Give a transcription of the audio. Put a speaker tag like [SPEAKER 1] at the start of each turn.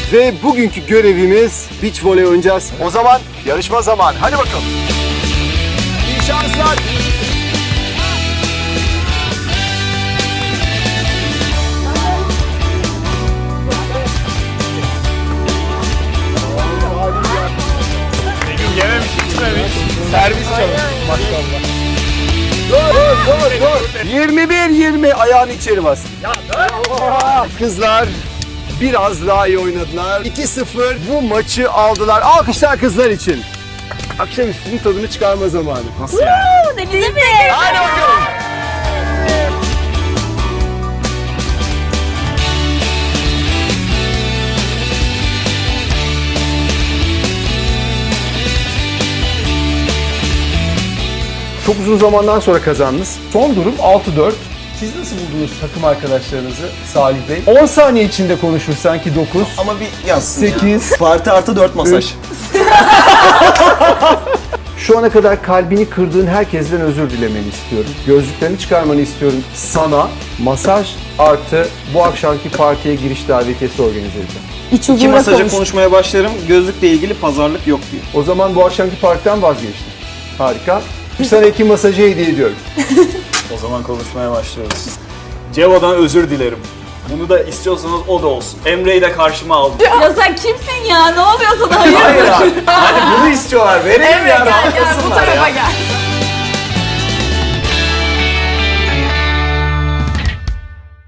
[SPEAKER 1] Ve bugünkü görevimiz beach voley oynayacağız. O zaman yarışma zamanı. Hadi bakalım. İyi şanslar.
[SPEAKER 2] Yememiş, içmemiş. Servis çalış. Maşallah.
[SPEAKER 1] Dur. 21-20 ayağını içeri bas. Kızlar biraz daha iyi oynadılar. 2-0 bu maçı aldılar. Alkışlar kızlar için. Akşamüstünün tadını çıkarma zamanı.
[SPEAKER 2] Nasıl yani?
[SPEAKER 3] Denize mi?
[SPEAKER 1] Hadi bakalım. Çok uzun zamandan sonra kazandınız. Son durum 6-4. Siz nasıl buldunuz takım arkadaşlarınızı Salih Bey? 10 saniye içinde konuşur sanki 9.
[SPEAKER 4] Ama bir yazsın.
[SPEAKER 1] 8.
[SPEAKER 4] Parti artı 4 masaj.
[SPEAKER 1] Şu ana kadar kalbini kırdığın herkesten özür dilemeni istiyorum. Gözlüklerini çıkarmanı istiyorum. Sana masaj artı bu akşamki partiye giriş davetiyesi organize edeceğim.
[SPEAKER 3] İç
[SPEAKER 4] İki
[SPEAKER 3] huzura
[SPEAKER 4] masaja
[SPEAKER 3] kavuştum.
[SPEAKER 4] konuşmaya başlarım. Gözlükle ilgili pazarlık yok diyor.
[SPEAKER 1] O zaman bu akşamki partiden vazgeçtim. Harika. Sana 2 masajı hediye ediyorum.
[SPEAKER 2] O zaman konuşmaya başlıyoruz. Cevo'dan özür dilerim. Bunu da istiyorsanız o da olsun. Emre'yi de karşıma aldım.
[SPEAKER 3] Ya sen kimsin ya? Ne oluyor sana?
[SPEAKER 2] Hayır abi. Hani bunu istiyorlar. Verelim
[SPEAKER 3] Emre
[SPEAKER 2] ya.
[SPEAKER 3] gel bu
[SPEAKER 2] Rahatlasınlar
[SPEAKER 3] tarafa
[SPEAKER 2] ya.
[SPEAKER 3] gel.